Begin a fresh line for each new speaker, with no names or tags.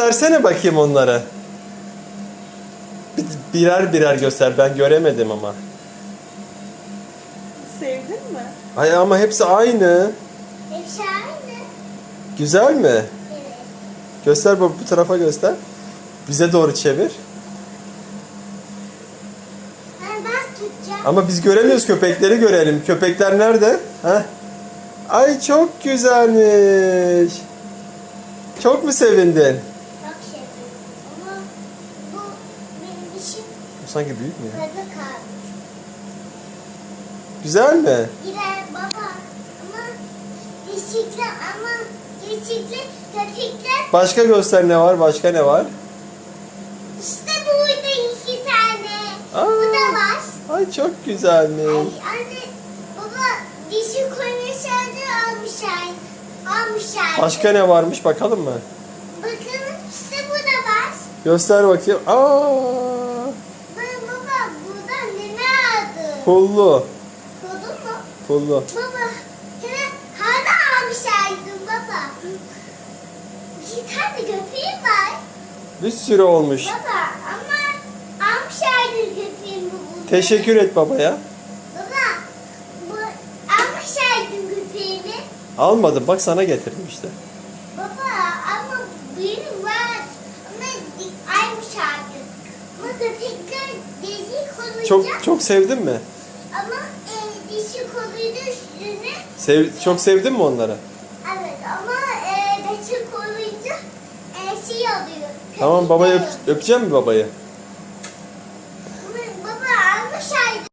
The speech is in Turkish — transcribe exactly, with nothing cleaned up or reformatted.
göstersene bakayım onlara. Bir- Birer birer göster. Ben göremedim ama.
Sevdin mi?
Ay ama hepsi aynı.
Hepsi aynı.
Güzel mi?
Evet.
Göster bu, bu tarafa göster. Bize doğru çevir.
Ben, ben tutacağım.
Ama biz göremiyoruz, köpekleri görelim. Köpekler nerede? Heh. Ay çok güzelmiş. Çok mu sevindin?
Çok seviyorum. Ama bu benim dişim
Bu sanki büyük mü ya?
burada kalmış.
Güzel mi?
Girer baba. Ama dişikler ama dişikler köpekler
Başka göster, ne var? Başka ne var?
işte burada iki tane.
Aa.
Bu da var.
Ay çok
Ay
güzelmiş.
anne baba dişi konuşanı almışlar. Almışlar.
Başka ne varmış bakalım mı?
Bakın işte bu da var.
Göster bakayım. Aa!
Ben baba burada ne aldı?
Pullu.
Kodun mu?
Pullu.
Baba hemen hala almışlardım baba. Bir tane köpeğim var.
Bir sürü olmuş.
Baba ama almışlardı köpeğimi burada.
Teşekkür et babaya.
Baba bu almışlardı köpeğimi.
Almadım, bak sana getirdim işte.
Baba ama benim var. Ama almışlardı. Ama köpekler dişi konunca.
Çok çok sevdin mi?
Ama e, dişi konuydu üstüne.
Sev, çok sevdin mi onları?
Evet ama e, dişi konunca e, şey oluyor.
Tamam,
köpekler
babayı öp,
oluyor.
öpeceğim mi babayı?